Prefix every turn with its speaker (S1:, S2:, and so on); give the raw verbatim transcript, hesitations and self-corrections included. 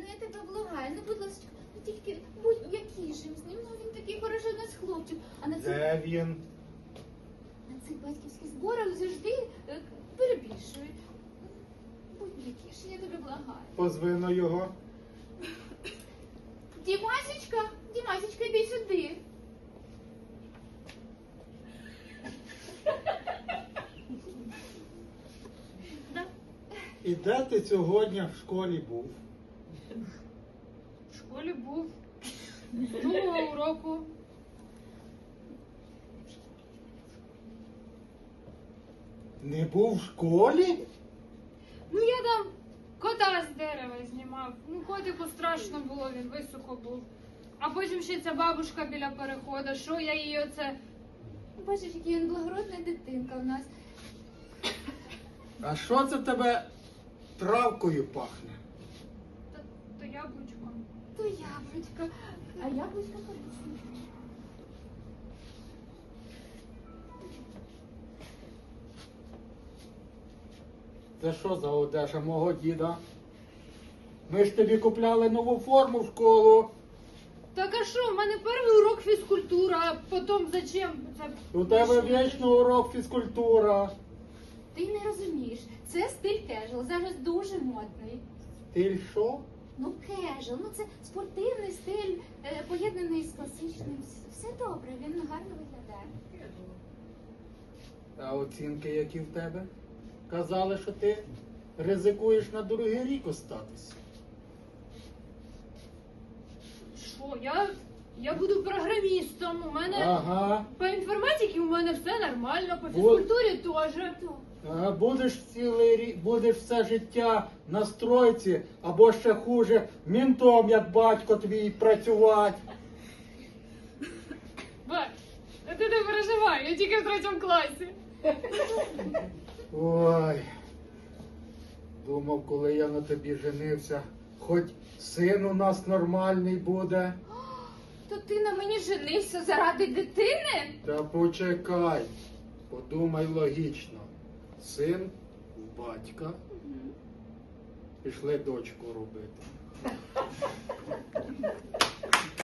S1: я тебе благаю, ну, будь ласка, ну, тільки будь м'якішим з ним, ну, він такий хороший у нас хлопчик. А на цих,
S2: Де він?
S1: на цих батьківських зборах завжди е, перебільшують. Будь м'якіший, я тебе благаю.
S2: Позвино його.
S1: Дімасечка, Дімасечка, йди сюди.
S2: І де ти сьогодні в школі був?
S3: В школі був з другого уроку.
S2: Не був в школі?
S3: Ну я там кота з дерева знімав. Ну котику страшно було, він високо був. А потім ще ця бабушка біля переходу, що я її оце...
S1: Бачиш, який він благородна дитинка в нас.
S2: А що це в тебе травкою пахне?
S3: Та, то яблучко.
S1: То яблучко, а яблучко корисне.
S2: Це що за одежа мого діда? Ми ж тобі купляли нову форму в школу.
S3: Так а що, в мене перший урок фізкультура, а потім зачем це?
S2: У тебе вічно урок фізкультура.
S1: Ти не розумієш, це стиль кежуал, зараз дуже модний.
S2: Ти що?
S1: Ну, кежуал, ну це спортивний стиль, е, поєднаний з класичним. Все добре, він гарно виглядає.
S2: А оцінки які в тебе? Казали, що ти ризикуєш на другий рік остатись.
S3: Що, я, я буду програмістом, у мене
S2: Ага.
S3: по інформатиці у мене все нормально, по
S2: Вот.
S3: фізкультурі теж.
S2: Ага, будеш цілий рік, будеш все життя на стройці, або ще хуже, мінтом, як батько твій, працювати.
S3: Бать, а ти не переживай, я тільки в третьому класі.
S2: Ой. Думав, коли я на тобі женився, хоч син у нас нормальний буде.
S1: То ти на мені женився заради дитини?
S2: Та почекай, подумай логічно. Син в батька, пішли дочку робити.